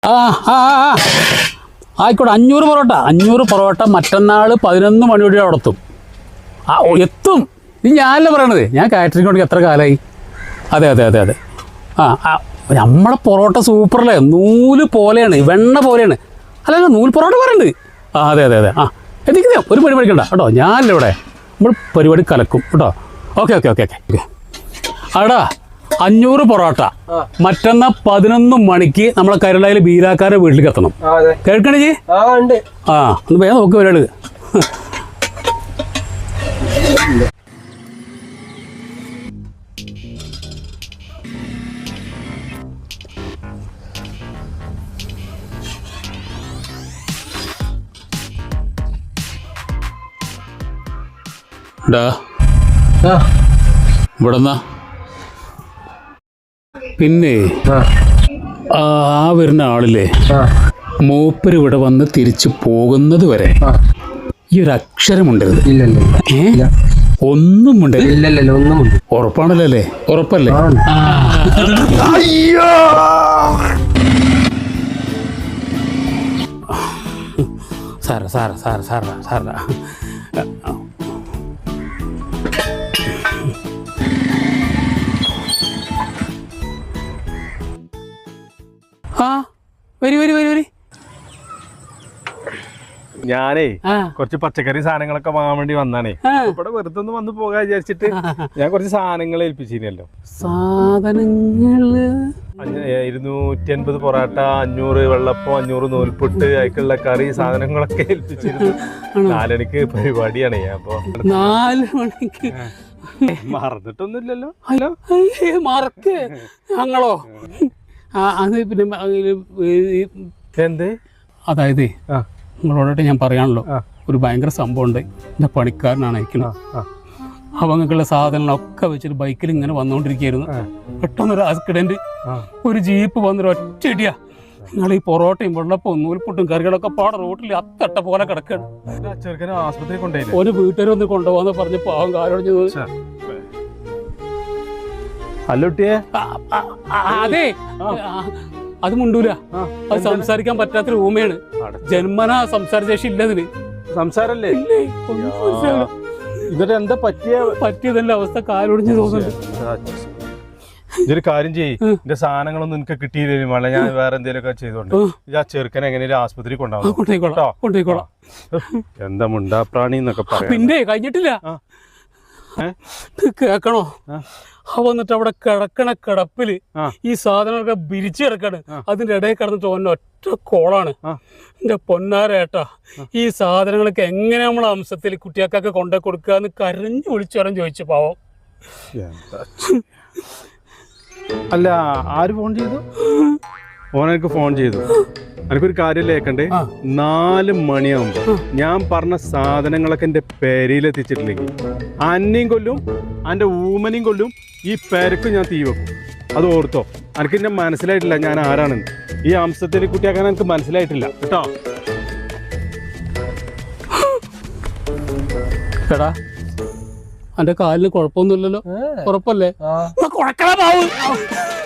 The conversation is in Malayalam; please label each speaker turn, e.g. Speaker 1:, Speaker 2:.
Speaker 1: ആ ആ ആയിക്കോട്ടെ 500 പൊറോട്ട മറ്റന്നാൾ 11 മണിയോടെ അവിടെ എത്തും. ആ എത്തും. ഇത് ഞാനല്ല പറയണത്, ഞാൻ കാറ്ററിംഗ് കൊണ്ട് എത്ര കാലമായി. അതെ അതെ അതെ അതെ ആ നമ്മളെ പൊറോട്ട സൂപ്പറല്ലേ, നൂല് പോലെയാണ്, വെണ്ണ പോലെയാണ്. അല്ല നൂല് പൊറോട്ട പറയുന്നുണ്ട്. ആ അതെ അതെ അതെ എത്തിക്കുന്നേ, ഒരു പണി പഠിക്കണ്ട കേട്ടോ, ഞാനല്ല ഇവിടെ, നമ്മൾ പരിപാടി കലക്കും കേട്ടോ. ഓക്കെ ഓക്കെ ഓക്കെ ഓക്കെ അടാ 500 പൊറോട്ട മറ്റന്നാ 11 മണിക്ക് നമ്മളെ കരുളയിൽ ബീരാക്കാരുടെ വീട്ടിലേക്ക് എത്തണം. കേൾക്കണേ ജി? ആ ഒന്ന് വേഗം നോക്ക് വരാള്. ഇവിടെന്നാ പിന്നെ ആ വരുന്ന ആളില്ലേ, മൂപ്പര് ഇവിടെ വന്ന് തിരിച്ചു പോകുന്നത് വരെ ഈ ഒരു അക്ഷരം ഉണ്ടരുത്. ഒന്നും ഉണ്ടല്ലോ. ഉറപ്പാണല്ലോ അല്ലേ? ഉറപ്പല്ലേ? സാറ സാറ സാറ സാറ സാറ വരി.
Speaker 2: ഞാനേ കുറച്ച് പച്ചക്കറി സാധനങ്ങളൊക്കെ വാങ്ങാൻ വേണ്ടി വന്നാണേ. ഇവിടെ വെറുതെ ഒന്ന് വന്ന് പോകാൻ വിചാരിച്ചിട്ട് ഞാൻ കുറച്ച് സാധനങ്ങൾ ഏൽപ്പിച്ചിരുന്നല്ലോ.
Speaker 1: സാധനങ്ങള്
Speaker 2: 250 പൊറാട്ട, 500 വെള്ളപ്പം, 500 നൂൽപുട്ട്, അതിക്കുള്ള കറി സാധനങ്ങളൊക്കെ ഏൽപ്പിച്ചിരുന്നു. 4 മണിക്ക് പരിപാടിയാണേ. അപ്പൊ
Speaker 1: 4 മണിക്ക്
Speaker 2: മറന്നിട്ടൊന്നുമില്ലല്ലോ?
Speaker 1: മറക്ക് ഞങ്ങളോ? അത് പിന്നെ
Speaker 2: എന്തേ?
Speaker 1: അതായത് നിങ്ങളോടായിട്ട് ഞാൻ പറയാണല്ലോ, ഒരു ഭയങ്കര സംഭവം ഉണ്ട്. എൻ്റെ പണിക്കാരനാണ് അയക്കുന്നത്. അവങ്ങൾക്കുള്ള സാധനങ്ങളൊക്കെ വെച്ചിട്ട് ബൈക്കിൽ ഇങ്ങനെ വന്നുകൊണ്ടിരിക്കുകയായിരുന്നു. പെട്ടെന്നൊരു ആക്സിഡന്റ്, ഒരു ജീപ്പ് വന്നൊരു ഒറ്റയിടിയാ. നിങ്ങൾ ഈ പൊറോട്ടയും വെള്ളപ്പവും നൂൽപുട്ടും കറികളൊക്കെ പാടെ റോട്ടിൽ അത്തട്ട പോലെ കിടക്കാണ്.
Speaker 2: ആശുപത്രി കൊണ്ടുപോയി
Speaker 1: ഒരു വീട്ടുകാരൊന്ന് കൊണ്ടുപോകാന്ന് പറഞ്ഞ് പാവം കാരോട്. അതെ അത് മുണ്ടൂല, അത് സംസാരിക്കാൻ പറ്റാത്തൊരു ഊമയാണ്. ജന്മനാ സംസാരശേഷി ഇല്ലതിന്.
Speaker 2: സംസാരല്ലേ? എന്നിട്ട് എന്താ
Speaker 1: പറ്റിയതല്ല അവസ്ഥ, കാലൊടിഞ്ഞ് തോന്നുന്നുണ്ട്.
Speaker 2: ഇതൊരു കാര്യം ചെയ്യ്, എന്റെ സാധനങ്ങളൊന്നും എനിക്ക് കിട്ടിയില്ല, ഞാൻ വേറെ എന്തെങ്കിലുമൊക്കെ ചെയ്തോണ്ട് ആ ചെറുക്കനെ എങ്ങനെയും ആശുപത്രി
Speaker 1: കൊണ്ടുപോയിക്കോളാം.
Speaker 2: എന്താ മുണ്ടാപ്രാണി എന്നൊക്കെ പറയാം.
Speaker 1: പിന്നെ കഴിഞ്ഞിട്ടില്ല, കേക്കണോ? വന്നിട്ട് അവിടെ കിടക്കണ കിടപ്പില് ഈ സാധനങ്ങളൊക്കെ ബിരിച്ചു കിടക്കാണ്. അതിന്റെ ഇടയിൽ കിടന്നിട്ട് ഒറ്റ കോളാണ്. എന്റെ പൊന്നാരേട്ടാ, ഈ സാധനങ്ങളൊക്കെ എങ്ങനെ നമ്മളെ അംശത്തിൽ കുട്ടികൾക്കൊക്കെ കൊണ്ടു കൊടുക്കാന്ന് കരഞ്ഞു വിളിച്ചോരം ചോദിച്ചു പാവം.
Speaker 2: അല്ല ആര് ഫോൺ ചെയ്തു? ഓനെനിക്ക് ഫോൺ ചെയ്തു. എനിക്കൊരു കാര്യം കേൾക്കണ്ടേ? 4 മണിയാകുമ്പോ ഞാൻ പറഞ്ഞ സാധനങ്ങളൊക്കെ എന്റെ പേരയിലെത്തിച്ചിട്ടില്ലെങ്കിൽ അന്നയും കൊല്ലും, എന്റെ ഊമനെയും കൊല്ലും, ഈ പേരക്ക് ഞാൻ തീ വെക്കും. അത് ഓർത്തോ. എനിക്ക് എന്നെ മനസ്സിലായിട്ടില്ല ഞാൻ ആരാണെന്ന്. ഈ അംശത്തിനെ കുട്ടിയാക്കാൻ എനിക്ക് മനസ്സിലായിട്ടില്ല കേട്ടോ.
Speaker 1: എടാ എന്റെ കാലിന് കുഴപ്പമൊന്നുമില്ലല്ലോ? ഉറപ്പല്ലേ?